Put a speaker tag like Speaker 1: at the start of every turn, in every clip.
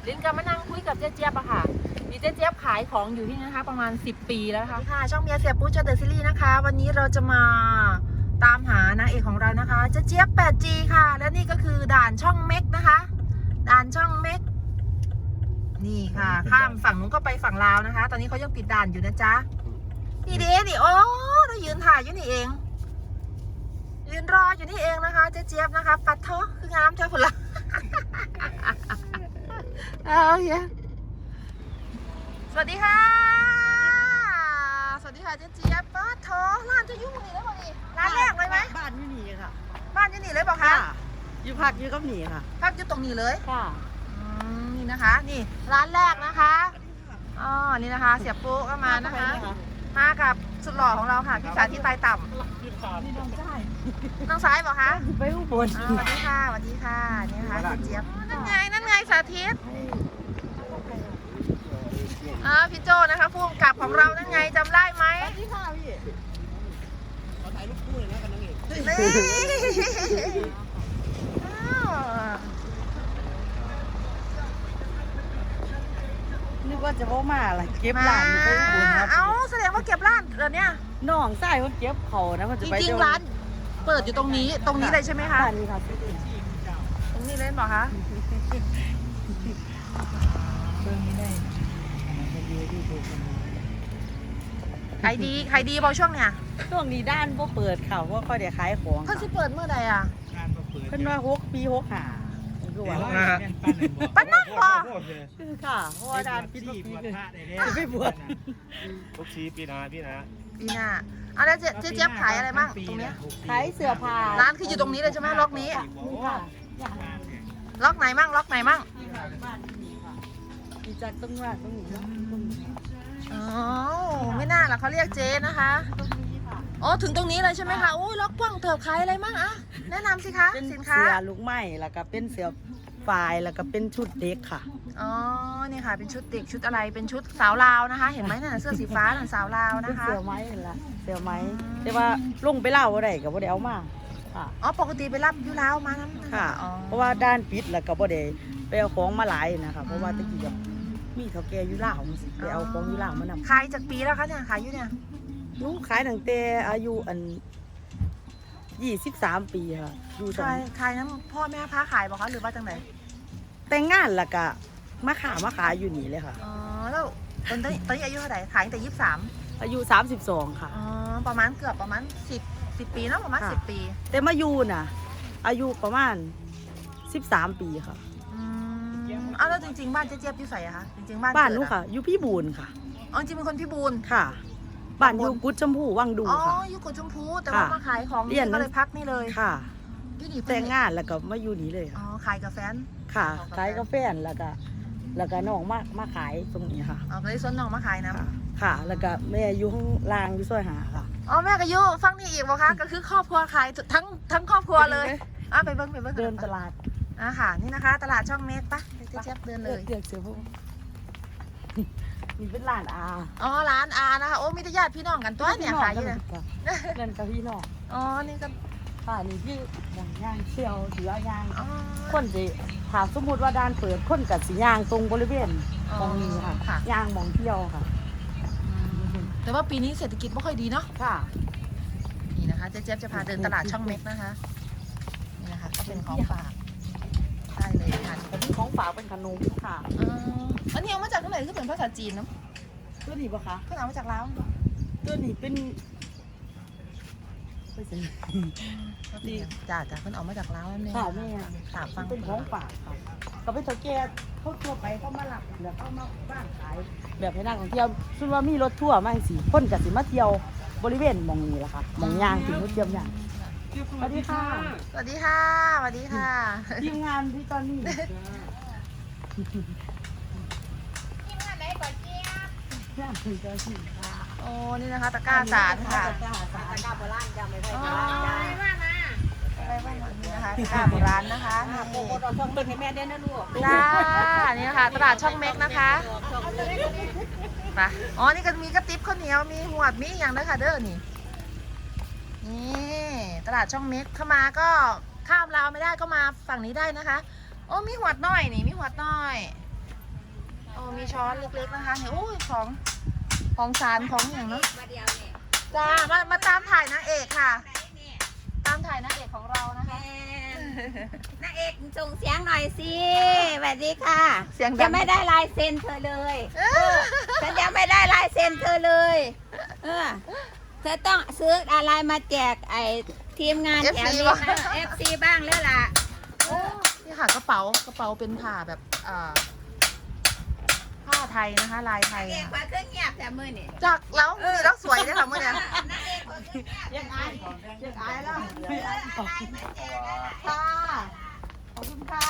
Speaker 1: ลิ้นก็มานั่งคุยกับเจ๊เจี๊ยบอะค่ะมีเจ๊เจี๊ยบขายของอยู่ที่นี่นะคะประมาณ10 ปีแล้วค่ะช่องเมียเสียปุ๊ชเดอะซีรีส์นะคะวันนี้เราจะมาตามหานางเอกของเรานะคะเจ๊เจี๊ยบ 8G ค่ะและนี่ก็คือด่านช่องเม็กนะคะด่านช่องเม็กนี่ค่ะข้ามฝั่งนู้นก็ไปฝั่งลาวนะคะ ตอนนี้เขายังปิดด่านอยู่นะจ๊ะนี่เด้นี่โอ้เรายืนถ่ายอยู่นี่เองยืนรออยู่นี่เองนะคะเจ๊เจี๊ยบนะคะปัดเถอะคืองามเท่าคนละเอาเฮียสวัสดีค่ะสวัสดีค่ะเจ๊เจี๊ยบปัดเถอะร้านจะยุ่งนี่เลยบอกนี่ร้านแรกเลยไหม
Speaker 2: บ้านอยู่นี่ค่ะ
Speaker 1: บ้านอยู่นี่เลยบอกคะ
Speaker 2: อยู่พักอยู่กับหนีค่ะ
Speaker 1: พักอยู่ตรงนี้เลย
Speaker 2: ค่ะ
Speaker 1: นี่นะคะนี่ร้านแรกนะคะอ๋อนี่นะคะเสียปุ๊ก็มานะคะมากับสุดหล่อของเราค่ะพี่สาธิตไตต่ำนี่น้องซ้ายน้องซ้ายบอกคะ
Speaker 2: ไปอุบล
Speaker 1: สวัสดีค่ะสวัสดีค่ะนี่นะคะเจี๊ยบนั่นไงสาธิตพี่โจนะคะผู้กำกับของเรานั่นไงจำได้ไหม
Speaker 2: สวัสดีค่ะพี่ขอถ่ายรูปคู่เลยนะกับนางเอก นึกว่าจะว่ามาอะไรเก็บร้านไปอุบลครับ
Speaker 1: เอ้าแสดงว่าเก็บร้านเหรอเนี่ย
Speaker 2: น้องใส่คนเก็บเขานะมัน
Speaker 1: จ
Speaker 2: จะไป
Speaker 1: ริงๆร้านเปิดอยู่ตรงนี้เลยใช่ไหมคะ
Speaker 2: ร้านนี้ค่ะ
Speaker 1: ตรงนี้เลยบอกคะขายดีพอช่วงเนี่ย
Speaker 2: ช่วงนี้ด้านบ่เปิดค่ะเพราะเขาเดี๋ยวขายของ
Speaker 1: เขาจะเปิดเมื่อใดอ่ะ
Speaker 2: เพิ่นว่า6 ปี6 หาคือว่า
Speaker 1: ปั้นนั่งบ่
Speaker 2: คือค่ะเพราะว่าด้านปีทุกปีคือไปบวช
Speaker 3: ทุกทีปีนาพี่นะ
Speaker 1: ปีหน้าเอาแล้วเจ๊เจี๊ยบขายอะไรบ้างตรงเนี้ย
Speaker 2: ขายเสื้อผ้า
Speaker 1: ร้านคืออยู่ตรงนี้เลยใช่ไหมล็อกนี้
Speaker 2: นี่ค่ะ
Speaker 1: ล็อกไหนมั่ง
Speaker 2: บ้านนี่ค่ะมีจากตรงนู้นตรงนี้ตรงนี้
Speaker 1: อ๋อไม่น่าหรอกเขาเรียกเจ๊นะคะ
Speaker 2: ตรงนี้ค่ะ
Speaker 1: อ๋อถึงตรงนี้เลยใช่ไหมคะโอ้ยล็อกกว้างเถิบขายอะไรมั่งอะแนะนำสิคะ
Speaker 2: เป็น
Speaker 1: สินค้า
Speaker 2: เสื้อลูกไม้แล้วก็เป็นเสื้อฝ่ายแล้วก็เป็นชุดเด็กค่ะ
Speaker 1: อ๋อนี่ค่ะเป็นชุดเด็กชุดอะไรเป็นชุดสาวลาวนะคะ เห็นไหมน่ะเสื้อสีฟ้าน่ะสาวลาว
Speaker 2: เป็น
Speaker 1: นะคะ
Speaker 2: เสื้อไม้เห็นละเสื้อไม้แต่ว่าลงไปเล่าอะไรก็บ่ได้เอามาค่ะ
Speaker 1: อ๋อปกติไปรับอยู่ลาวมานั้น
Speaker 2: ค่ะ
Speaker 1: อ๋อ
Speaker 2: เพราะว่าด้านปิดแล้วก็บ่ได้ไปเอาของมาหลายนะคะเพราะว่าตะกี้แบบมีเฒ่าแก่อยู่ลาวจังซี่ไปเอาของอยู่ลาวมานำ
Speaker 1: ขายจากปีแล้วคะเนี่ยขายอยู่เนี่ย
Speaker 2: หนูขายตั้งแต่อายุ23 ปีค่ะอยู่ตรง
Speaker 1: ขายน้ำพ่อแม่พาขายบอกคะหรือว่าจังไหน
Speaker 2: แต่งงานแล้วก็มาขายอยู่นี่เลยค่ะ
Speaker 1: อ๋อแล้วตอนนี้อายุเท่าไหร่ขายตั้งแต่23
Speaker 2: อายุ32ค่ะ
Speaker 1: อ๋อประมาณเกือบประมาณ10ปีเนาะประมาณ
Speaker 2: ค่ะ
Speaker 1: 10 ปี
Speaker 2: แต่มาอยู่น่ะ อายุประมาณ13 ปีค่ะ
Speaker 1: อ้าวแล้วจริงๆบ้านเจ๊เจี๊ยบอยู่ใส่อะคะจริงๆบ้าน
Speaker 2: บ้านหนู
Speaker 1: เกิดอ
Speaker 2: ค่ะ อยู่พี่บูนค่ะ
Speaker 1: อ๋อจริงเป็นคนพิบูล
Speaker 2: ค่ะ บ้านอยู่กุดชมพูวังดู
Speaker 1: อ๋อ
Speaker 2: ค่ะ
Speaker 1: อยู่กุดชมพูแต่ว่า
Speaker 2: ค่ะ
Speaker 1: มาขายของ
Speaker 2: เรียน
Speaker 1: ก็เลยพักนี่เลย
Speaker 2: ค่ะ
Speaker 1: อยู่นี่
Speaker 2: แต่งงานแล้วก็มาอยู่นี่เลย
Speaker 1: อ๋อ
Speaker 2: ค่ะ
Speaker 1: ขายกับแฟน
Speaker 2: ค่ะขายกาแฟแล้วก็น้องมาขายตรงนี้ค่ะ
Speaker 1: อ๋อก็เลยส้นน้องมาขายนะ
Speaker 2: ค่ะ ค่ะ แล้วก็แม่อยู่ข้างล่างอยู่ซอยหาค่ะ
Speaker 1: อ๋อแม่ก็อยู่ฟังนี่อีกบ่คะก็คือครอบครัวขายทั้งครอบครัวเลยไปเบิ้ง
Speaker 2: เดินตลาด
Speaker 1: ค่ะนี่นะคะ ตลาดช่องเมกปะเจ๊เจี๊ยบเดินเลย
Speaker 2: เดือกเสือพวกนี่เป็นร้านอา
Speaker 1: อ๋อร้านอานะคะโอ้มีแต่ญาติพี่น้องกันตัวเนี่ยขายอยู่เนี่ย
Speaker 2: เดินกับพี่น้อง
Speaker 1: อ๋อนี่ก็
Speaker 2: ค่ะนี่คือย่างเชี่ยวถือย่าง
Speaker 1: อ๋อ
Speaker 2: คนสิถามสมมุติว่าด้านเปิดคนกับสิย่างตรงบริเวณ
Speaker 1: อ๋อ
Speaker 2: มองนี้ค่ะ
Speaker 1: ค่ะ
Speaker 2: ย่างมองเที่ยวค่ะ
Speaker 1: แต่ว่าปีนี้เศรษฐกิจไม่ค่อยดีเนาะ
Speaker 2: ค่ะ
Speaker 1: นี่นะคะเจ๊เจี๊ยบจะพาเดินตลาดช่องเม็กนะคะนี่นะคะก็เป็นของฝากได้เลยค่ะ
Speaker 2: แต่ที่ของฝากเป็นขนมค่ะ
Speaker 1: อันนี้เอามาจากที่ไหนคือเป็นภาษาจีนเนาะ
Speaker 2: ตัวนี้ปะคะ
Speaker 1: เพิ่งเอามาจากลาว
Speaker 2: ตัวนี้เป็นดี
Speaker 1: จ้าเพิ่งเอามาจากลาวนั่นเอง
Speaker 2: ค่ะแม่
Speaker 1: ถามฟัง
Speaker 2: เป็นของฝากค่ะก็เป็นสังเกตเขาทั่วไปเขามาหลับแล้วเขามาบ้านขาย แบบให้นักท่องเที่ยวซึ่งว่ามีรถทั่วร์มาสิคนกับสิมาเที่ยวบริเวณหมองนี้แหละค่ะหมองย่างถึงรถเทียมย่างสวัสดีค่ะ
Speaker 1: สวัสดีค่ะสวัสดีค่ะ
Speaker 2: ทีมงานที่ตอนนี้
Speaker 1: ทีมงานไหนก่อนเจี๊ยบ
Speaker 2: งานถึงจะสิค่ะ
Speaker 1: โอ้นี่นะคะตะกร้าสารค่ะ
Speaker 2: ตะกร้าสารตะกร้าโบราณจำไม่ได้
Speaker 1: อ๋อ
Speaker 2: โบราณจ้า
Speaker 1: อะไรบ้างนี่นะคะตะกร้าโบราณนะคะ
Speaker 2: โบโบเราช่องเบิ่งให้แม่ได้นะลูก
Speaker 1: จ้านี่นะคะตลาดช่องเม็กนะคะไปอ๋อนี่ก็มีกระติบข้าวเหนียวมีหวดมีอย่างนะคะเด้อนี่นี่ตลาดช่องเม็กเข้ามาก็ข้ามลาวไม่ได้ก็มาฝั่งนี้ได้นะคะโอ้มีหวดน้อยนี่มีหวดน้อยโอ้มีช้อนเล็กๆนะคะเนี่ยโอ้ยของสารของอย่างเนาะจ้ามาตามถ่ายนางเอกค่ะ ตามถ่ายนางเอกของเรานะคะ
Speaker 4: นางเอกส่งเสียงหน่อยสิสวัสดีค่ะ
Speaker 1: เสียงดั
Speaker 4: จะ
Speaker 1: ง
Speaker 4: ไม่ได้ลายเซ็นเธอเลยฉันยังไม่ได้ลายเซ็นเธอเลยเธอต้องซื้ออะไรมาแจกไอ้ทีมงานแถวนี้นะ FC บ้างแล้วล่ะ
Speaker 1: นี่ค่ะกระเป๋าเป็นผ้าแบบผ้าไทยนะคะ ลายไทย
Speaker 4: นางเอกว่าเครื่องเงียบแต่มือนี่
Speaker 1: จากแล้วมีแล้วสวยด้วยค่ะเมื่อนี้
Speaker 4: นางเอกว่าเครื่องเงียบ
Speaker 2: ยังอายแล้ว
Speaker 1: ค่ะขอบคุณค่ะ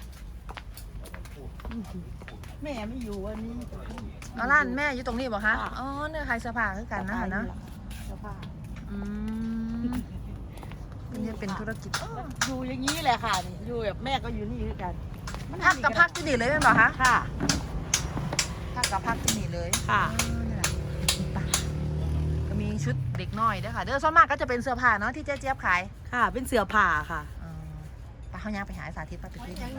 Speaker 2: แม่ไม่อยู่วันนี้
Speaker 1: เอาร้านแม่อยู่ตรงนี้บอกคะอ๋อเนี่ยใครเสื้อผ้าคือกันนะคะเนาะ
Speaker 2: เสื้อผ้า
Speaker 1: อืมนี่เป็นธุรกิจ
Speaker 2: อยู่อย่างนี้แหละค่ะนี่อยู่แบบแม่ก็อยู่นี่ด้วยกัน
Speaker 1: พักกับพักที่นี่เลยเป็นเปล่าคะ
Speaker 2: ค่ะ
Speaker 1: พักกับพักที่นี่เลย
Speaker 2: ค่ะ
Speaker 1: นี่แหละไปก็มีชุดเด็กน้อยด้วยค่ะเด้อส่วนมากก็จะเป็นเสื้อผ้าเนาะที่เจ๊เจี๊ยบขาย
Speaker 2: ค่ะ เป็นเสื้อผ้าค่ะ
Speaker 1: ไปเขาย่างไปหาสาธิตป้าไปคุยกัน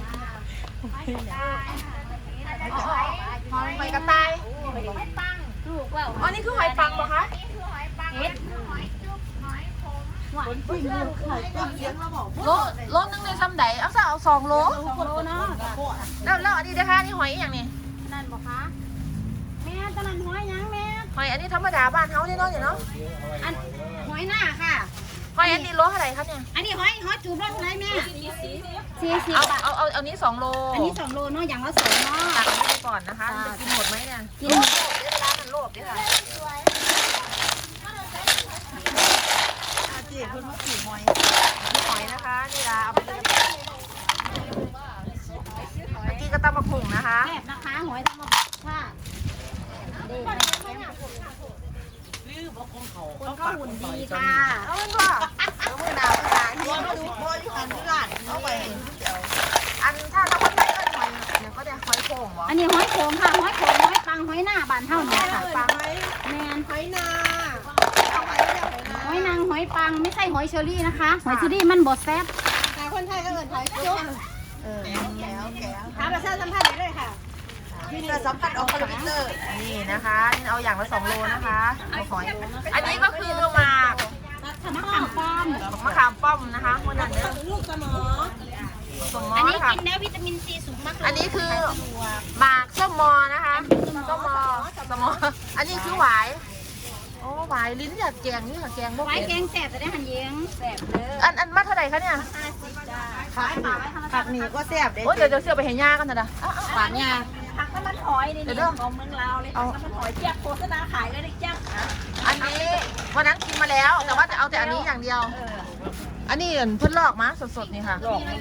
Speaker 1: หอยกระต่าย
Speaker 4: ลูกว่า
Speaker 1: อ๋อนี่คือหอยปังเหรอคะ
Speaker 4: เฮ็ดหอยจุ๊บหอยขม
Speaker 2: คนผู้หญิงขายต้นเลี้ยงมาบอก
Speaker 1: โลนึงในซ้ำใดเอาซะเอา2 โล
Speaker 4: โลเนาะ
Speaker 1: แล้วอันนี้นะคะนี่หอยอย่างนี้
Speaker 4: นั่นบอกคะแม่ตอนนั้นหอยยังแม่
Speaker 1: หอยอันนี้ธรรมดาบ้านเฮาเนี่ยเนาะเนี่ยเนาะ
Speaker 4: อันหอยหน้าค่ะ
Speaker 1: หอยอันนี้โลเท่าไหร่ครับเนี่ย
Speaker 4: อันนี้หอยจูบรสอะไรแม่40
Speaker 1: เอา
Speaker 4: บาท
Speaker 1: เอานี้2 โล
Speaker 4: อันนี้2 โลเนาะอย่างละ2เนาะ
Speaker 1: ตักอันนี้ไปก่อนนะคะจะกินหมดไหมเนี่ย
Speaker 4: กิน
Speaker 1: โลภเวลามันโลภด้วยค่ะ
Speaker 2: เจ๊คนมาขี่หอย
Speaker 1: นี่หอยนะคะนี่ละเอาไปกินกับกินกับตำบักหุ่งนะคะ
Speaker 4: แซ่บนะคะหอยทั้งหมดค่ะเด็ก
Speaker 2: ลือบอกของเขา
Speaker 4: คนเขาหุ่นดีค่ะ
Speaker 1: เอาเป็นว่า
Speaker 4: เอามือดาวภาษา
Speaker 2: ตัวมาดูพ่ออยู่อันที่ร้านเอาไป
Speaker 1: อันถ้าเราคนไทยก็หอยเนี่ยก็ได้หอยโข่งวะ
Speaker 4: อันนี้หอยโขงค่ะหอยโขงหอยปังหอยหน้าบานเท่านี้ค่ะปังแมน
Speaker 2: หอยนา
Speaker 4: หอยนางหอยปังไม่ใช่หอยเชอรี่นะคะหอยเชอรี่มันบดแซ่บ
Speaker 2: คนไทยก็เอินหอยจุ๊บแล้วแก้ว
Speaker 4: ถามประชาสัมพันธ์ได้เลยค่ะ
Speaker 2: มีแต่สัมผัสออกคอมพิวเตอร์
Speaker 1: นี่นะคะนี่เอาอย่างละ2 โลนะคะเอาหอยอันนี้ก็คือหมาก
Speaker 4: มะขามป้อม
Speaker 1: มะขามป้อมนะคะคนนั้นเนี่ย
Speaker 2: ลูกสมอ
Speaker 1: สมมอ
Speaker 4: อันนี้
Speaker 1: นะคะ
Speaker 4: กินแล้ววิตามินซีสูงมากเลย
Speaker 1: อันนี้คือหมากส้มมอนะคะส้มมอสมออันนี้คือหวายโอ้หวายลิ้นอยากแกงนี่ค่ะแกงบ่
Speaker 4: ไว้
Speaker 1: เป็น
Speaker 4: แกงแซ่บจะได้หันเยียงแซ่บเลย
Speaker 1: อันมาเท่าไหร่คะเนี่ย
Speaker 4: 50จ้า
Speaker 2: ผักหนีก็แซ่บเด้
Speaker 1: โอ้ยเดี๋ยวเสื้อไปเห็นย่ากันเถอะนะ
Speaker 4: ฝานยาผักน้ำมันหอยนี่นี่ของเมืองลาวเลยผักน้ำมันหอยเจี๊ยบโฆษณาขายเลยนะเจี๊ยบ
Speaker 1: อันนี้วันนั้นกินมาแล้วแต่ว่าจะเอาแต่อันนี้อย่างเดียว อันนี้เพิ่นลอกมาสดๆนี่ค่ะ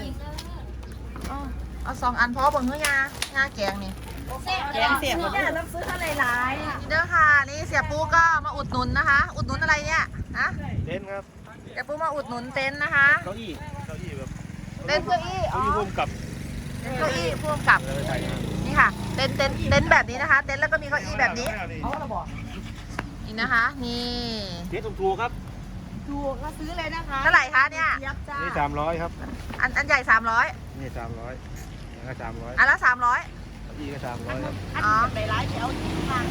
Speaker 1: เอา2 อันเพราะว่าบนเนื้อย่างาแกงนี่
Speaker 4: แกงเสียบต้องซื้อเท่าไหร่ๆค่ะ
Speaker 1: นี่เด้อค่ะนี่เสียปูก็มาอุดหนุนนะคะ อุดหนุนอะไรเนี่ยฮะ
Speaker 3: เต้นครับ
Speaker 1: เสียปูมาอุดหนุนเต็นท์นะคะ
Speaker 3: เก้าอี้แบบ
Speaker 1: เต็นท์เก้าอี้อ๋
Speaker 3: เก้า
Speaker 1: อ
Speaker 3: อี้ร่วมกับ
Speaker 1: เต็นท์เก้าอี้พ่วงกับ
Speaker 3: อะไรไทย
Speaker 1: นี่ค่ะเต็นท์แบบนี้นะคะ เต็นท์แล้วก็มีเก้าอี้แบบนี้
Speaker 2: เขาเราบอก
Speaker 1: นี่นะคะ นี่
Speaker 3: เต้นถูกครับ
Speaker 2: ถูกก็ซื้อเลยนะคะ
Speaker 1: เท่าไหร่คะเนี่ย
Speaker 2: ยับจ้า
Speaker 3: นี่300ครับ
Speaker 1: อันใหญ่300
Speaker 3: นี่300นี่ก็300
Speaker 1: อันละ300
Speaker 3: เก้าอี้ก็300ครับ
Speaker 1: อ๋อ
Speaker 2: ไปร้านเดี๋ยวเอาที่ทาง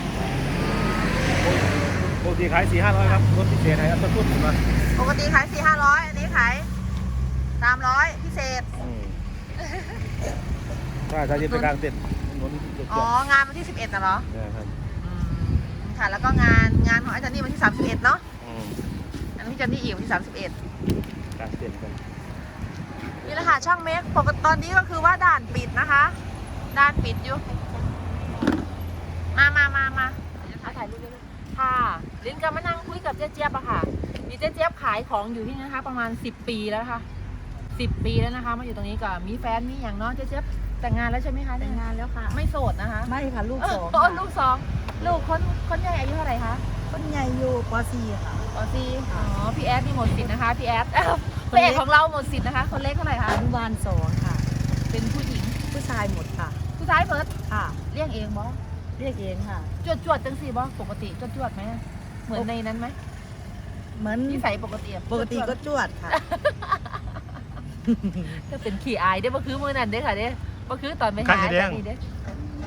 Speaker 3: ปกติขาย400-500ครับรถพิเศษให้ครับต้นทุนผมมา
Speaker 1: ปกติขาย400-500อันนี้ขาย300พิเศษ
Speaker 3: ถ้าจะเป็นการเต้นนนจุด
Speaker 1: อ๋องานวันที่11น่ะเหรอ
Speaker 3: นะครับ
Speaker 1: ค่ะแล้วก็งานของอาจารย์นี่วันที่31เนาะอันนี้พี่จันนี่อีกวันที่31
Speaker 3: การเต้นกัน
Speaker 1: นี่แหละค่ะช่างเมคปกติตอนนี้ก็คือว่าด่านปิดนะคะด่านปิดอยู่มาถ่ายรูปด้วยค่ะลิ้นก็มานั่งคุยกับเจ๊เจี๊ยบอะค่ะมีเจ๊เจี๊ยบขายของอยู่ที่นี่นะคะประมาณ10 ปีแล้วค่ะ10 ปีแล้วนะคะมาอยู่ตรงนี้ก็มีแฟนมีอย่างเนาะเจ๊เจี๊ยบแต่งงานแล้วใช่ไหมคะ
Speaker 2: แต่งงานแล้วค่ะ
Speaker 1: ไม่โสดนะคะ
Speaker 2: ไม่ค่ะลูกสอง
Speaker 1: ลูกสองลูกคนใหญ่อายุเท่าไหร่คะ
Speaker 2: คนใหญ่อยู่ป .4 ค่ะ
Speaker 1: อ๋อซีอ๋อพี่แอดนี่หมดสิทธิ์นะคะพี่แอดพระเอกของเราหมดสิทธิ์นะคะคนเล็กเท่าไหร่คะ
Speaker 2: อนุบาล2ค่ะ
Speaker 1: เป็นผู้หญิง
Speaker 2: ผู้ชายหมดค่ะ
Speaker 1: ผู้ชายเพิร์ด
Speaker 2: ค่ะ
Speaker 1: เลี้ยงเองบ่
Speaker 2: เรียกเองค่ะ
Speaker 1: จวดจังสิบ่ปกติจวดไหมเหมือนในนั้นไหม
Speaker 2: เหมือน
Speaker 1: นิสัยปกติอะ
Speaker 2: ปกติก็จวดค่ะ
Speaker 1: ก็เป็นขี้อายได้บ่คือมือนั่นเด้อค่ะเด้บ่คือตอนไปหาจังนี้เด้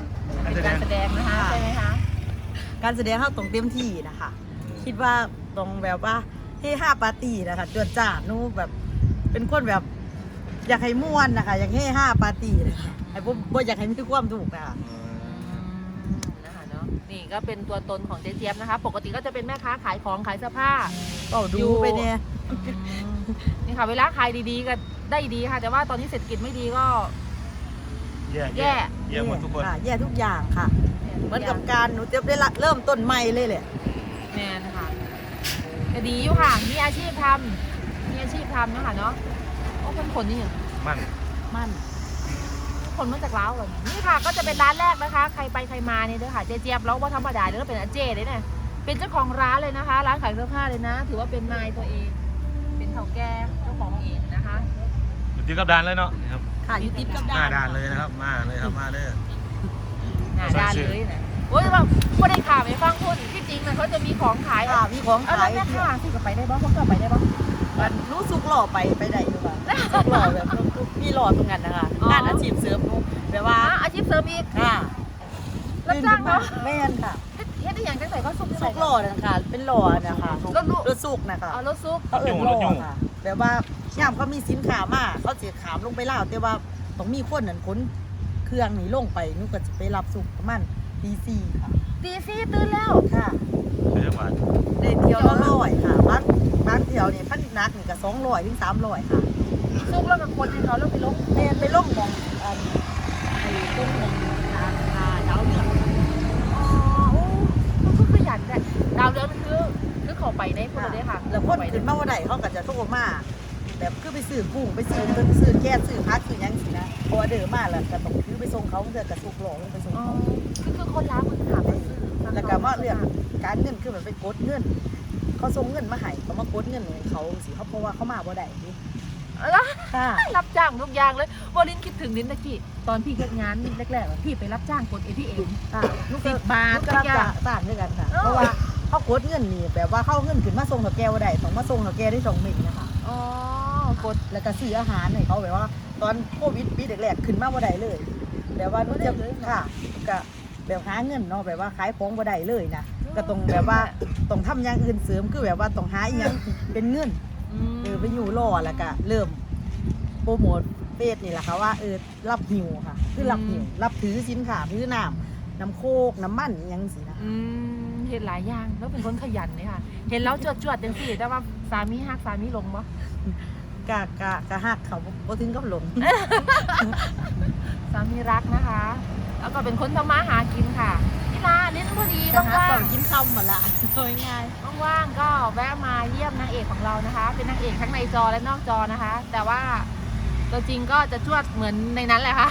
Speaker 1: เป็นการแสดงนะคะใช่ไหมคะ
Speaker 2: การแสดงเข้าตรงเต็มที่นะคะ คิดว่าตรงแบบว่าเฮฮาปาร์ตี้นะคะจวดจ้าดนูแบบเป็นคนแบบอยากให้ม่วนนะคะอยากเฮฮาปาร์ตี้นะคะไอ้บ่อยากให้มีความถูกนะคะ
Speaker 1: นะคะเนาะนี่ก็เป็นตัวตนของเจ๊เจี๊ยบนะคะ ปกติก็จะเป็นแม่ค้าขายของขายเสื้อผ้า
Speaker 2: ก็ดูไปเนี่ย
Speaker 1: นี่ค่ะเวลาขายดีๆก็ได้ดีค่ะ แต่ว่าตอนนี้เศรษฐกิจไม่ดีก็
Speaker 3: แย่หมดทุกคน
Speaker 2: ค่ะแย่ทุกอย่างค่ะ เหมือนกับการหนูจะได้เริ่มต้นใหม่เลยแหละ
Speaker 1: แม่นะคะก็ดีอยู่ค่ะมีอาชีพทำนะคะเนาะโอ้คนขนนี่
Speaker 3: มัน
Speaker 2: มั่น
Speaker 1: คนมาจากลาวเหรอนี่ค่ะก็จะเป็นร้านแรกนะคะ ใครไปใครมาเนี่ยเด้อค่ะเจ๊เจี๊ยบแล้วว่าธรรมดาเด้อเป็นอาเจ้เลยเนี่ยเป็นเจ้าของร้านเลยนะคะ ร้านขายเสื้อผ้าเลยนะ ถือว่าเป็นนายตัวเอง เป็นเฒ่าแก่เจ้าของเองนะคะ
Speaker 3: อยู่ที่กับดานเลยเนาะนะครับ
Speaker 2: ค่ะอยู่ติดกับ
Speaker 3: ห
Speaker 2: ด้า
Speaker 3: น้าน ด่านเลยนะครับมาเลยครับมาเลย
Speaker 1: หน้าด้านเลยนะโอ้ยแบบไม่ได้ข่าวไปฟังพูดที่จริงนะเขาจะมีของขาย
Speaker 2: ค่ะมีของ
Speaker 1: เอา
Speaker 2: ขาย
Speaker 1: แล้วแม่ค้าที่กับไปได้บ้างเขาก็ไปได้บ้าง
Speaker 2: มันรู้สุกหล่อไปได้อยู่ค่ะสุกหล่อแบบมีหล่อตรงนั้นนะคะงานอาชีพเสริมหนูแบบว่า
Speaker 1: อาชีพเสริมอีก
Speaker 2: ค่ะ
Speaker 1: รับจ้างเขา
Speaker 2: แม่นค่ะ
Speaker 1: เฮ็ดได้อย่างจังใส่ก็ซุป
Speaker 2: สุกหล่อนะคะเป็นหล่อนะคะ
Speaker 1: รถลูก
Speaker 2: รถสุกนะคะ
Speaker 1: รถซุป
Speaker 2: เขาเอิ้นหล่อค่ะแบบว่าย่ามเขามีสินค้ามาเขาจะขามลงไปล่าวแต่ว่าต้องมีคนนั้นขนเครื่องนี่ลงไปหนูก็จะไปรับสุกประมาณตีสี่ค่ะ
Speaker 1: ตีซี่ตื่นแล้ว
Speaker 2: ค่ะ
Speaker 3: เดี๋ยวมา
Speaker 2: ได้เที่ยวละ100ค่ะบางเที่ยวนี่พันนักนี่ก็200ถึง300ค่ะ
Speaker 1: ซุปแล้วกับคนที่เขาแล้วไปลง
Speaker 2: แม่นไปลงหมองไอ้ต้นหมองดาวเหนือง
Speaker 1: อ๋อโอ้มันก็ขยันแต่ดาวเรืองคือเขาไปได้คนได้ค่ะ
Speaker 2: แล้วคนขึ้นมาว่าใดเขาก็จะโทรมาแบบคือไปซื้อกุ้งไปซื้อแก๊สซื้อพักซื้อหยังสินะเพราะว่าเดินมาแล้วก็ต้องคือไปส่งเขาเพื่อกระสุกหลอกลงไปส่ง
Speaker 1: อ๋อ
Speaker 2: เขา
Speaker 1: คือคนร้านคนถามไปซื้อ
Speaker 2: แล้วก็มาเรื่องการเงินคือแบบไปกดเงินเขาส่งเงินมาให้เขามากดเงินให้เขาสิเขาเพราะว่าเขามาบ่ได้นี่
Speaker 1: แล้ว
Speaker 2: ค่ะ
Speaker 1: รับจ้างทุกอย่างเลยว่าลินคิดถึงลินตะกี้ตอนพี่เฮ็ดงานแรกๆพี่ไปรับจ้างกด ATM
Speaker 2: ค่ะลูก
Speaker 1: 10 บาท
Speaker 2: ก็รับจ้างด้วยกันค่ะเพราะว่าเขากดเงินนี่แบบว่าเข้าเงินขึ้นมาส่งเถาแก้วได้ต้องมาส่งเถาแก้ได้2 เม็ดนะคะ
Speaker 1: อ๋อกด
Speaker 2: แล้วก็ซื้ออาหารให้เขาแบบว่า ตอนโควิดปีแรกๆขึ้นมาบ่ได้เลยแบบว่านู้นจะค่ะก็แบบหาเงินเนาะแบบว่าขายของบ่ได้เลยนะก็ต้องแบบว่าต้องทำอย่างอื่นเสริมคือแบบว่าต้องหาอีหยังเป็นเงินไปอยู่รอแล้วก็เริ่มโปรโมทเฟซนี่แหละค่ะว่ารับหิวค่ะคือรับหิวรับถือสินค้าถือน้ำโคกน้ำมันอหยังสินะ
Speaker 1: เห็นหลายอย่างแล้วเป็นคนขยันเลยค่ะ เห็นแล้วจวดๆจังสิแต่ว่าสามีฮักสามีลงบ่
Speaker 2: กะหักเขาบ่ถึงกับหลง
Speaker 1: สามีรักนะคะ แล้วก็เป็นคนทำมาหากินค่ะนี่ลาลิ้นพอดี
Speaker 2: กะหัก
Speaker 1: ว่าง
Speaker 2: ก่อนกินคำหมดละโดยง่าย
Speaker 1: ๆว่างๆก็แวะมาเยี่ยมนางเอกของเรานะคะ เป็นนางเอกทั้งในจอและนอกจอนะคะ แต่ว่าตัวจริงก็จะจวดเหมือนในนั้นแหละค่ะ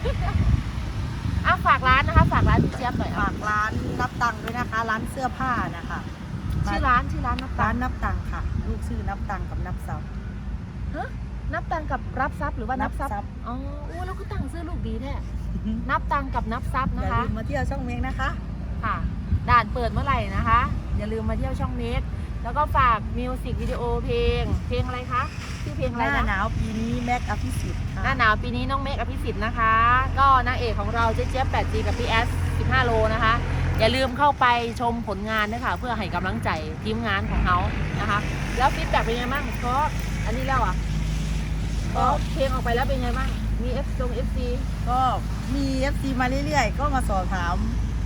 Speaker 1: ฝากร้านนะคะฝากร้านพี่เจี๊ยบหน่อย
Speaker 2: ฝากร้านนับตังค์ด้วยนะคะ ร้านเสื้อผ้านะคะ
Speaker 1: ชื่อร้านนับตั
Speaker 2: ร้าง น
Speaker 1: ค์
Speaker 2: นับตังค์ค่ะ ลูกชื่อนับตังค์กับนับซับ
Speaker 1: นับตังค์กับรับทรัพย์หรือว่านับทรัพ
Speaker 2: นับทรั
Speaker 1: ย์
Speaker 2: พย์
Speaker 1: อ๋อโอ้แล้วก็ตั้งซื้อลูกดีแท้นับตังค์กับนับทรัพย์
Speaker 2: อ
Speaker 1: นะ
Speaker 2: ย่า
Speaker 1: คะ
Speaker 2: ลืมมาเที่ยวช่องเมงนะคะ
Speaker 1: ค่ะด่านเปิดเมื่อไหร่นะคะ อย่าลืมมาเที่ยวช่องเมกแล้วก็ฝากมิวสิกวิดีโอเพลงอะไรคะชื่อเพลงอะไร
Speaker 2: หน้า
Speaker 1: นะ
Speaker 2: หนาวปีนี้แม็กอภิสิทธิ์ค่ะ
Speaker 1: หน้าหนาวปีนี้น้องเมกอภิสิทธิ์นะคะ ก็นางเอกของเราเจ๊เจี๊ยบ 8G กับพี่แอส15 โลนะคะ อย่าลืมเข้าไปชมผลงานด้วยค่ะเพื่อให้กำลังใจทีมงานของเขานะคะ แล้วฟีดแบ็กเป็นยังไงบ้างเพราะอันนี้แล้วอ่ะก็เพลงออกไปแล้วเป็นยังไงบ้างมี FC
Speaker 2: ก็มี FC มาเรื่อยๆ ก็มาสอบถาม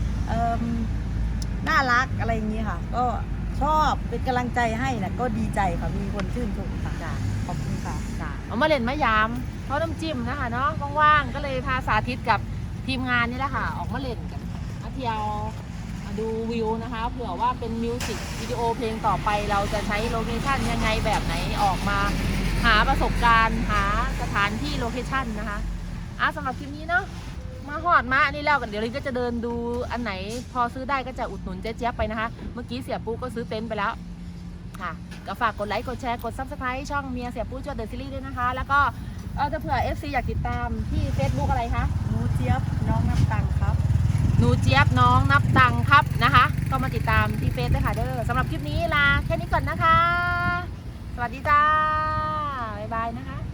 Speaker 2: น่ารักอะไรอย่างนี้ค่ะ ก็ชอบเป็นกำลังใจให้นะก็ดีใจค่ะ มีคนชื่นชมค่ะ ขอบคุณค่ะ
Speaker 1: เอามาเล่นมายามเพราะน้ำจิ้มนะคะเนาะว่างๆก็เลยพาสาธิตกับทีมงานนี่แหละค่ะ ออกมาเล่นกันมาเที่ยวมาดูวิวนะคะเผื่อว่าเป็นมิวสิกวิดีโอเพลงต่อไปเราจะใช้โลเคชั่นยังไงแบบไหนออกมาหาประสบการณ์หาสถานที่โลเคชั่นนะคะสำหรับคลิปนี้เนาะมาหอดมาอันนี้แล้วกันเดี๋ยวลินก็จะเดินดูอันไหนพอซื้อได้ก็จะอุดหนุนเจ๊เจี๊ยบไปนะคะเมื่อกี้เสียปูก็ซื้อเต็นท์ไปแล้วค่ะก็ฝากกดไลค์กดแชร์กด Subscribe ช่องเมียเสียปูจวดเดอะซีรีส์ด้วยนะคะแล้วก็จะเผื่อ FC อยากติดตามที่ Facebook อะไรคะ
Speaker 2: หนูเจี๊ยบน้องนับตังค์ครับ
Speaker 1: หนูเจี๊ยบน้องนับตังค์ครับนะคะ ก็มาติดตามที่เฟซด้วยค่ะเด้อสำหรับคลิปนี้ลาแค่นี้ก่อนนะคะ สวัสดีจ้า บ๊ายบายนะคะ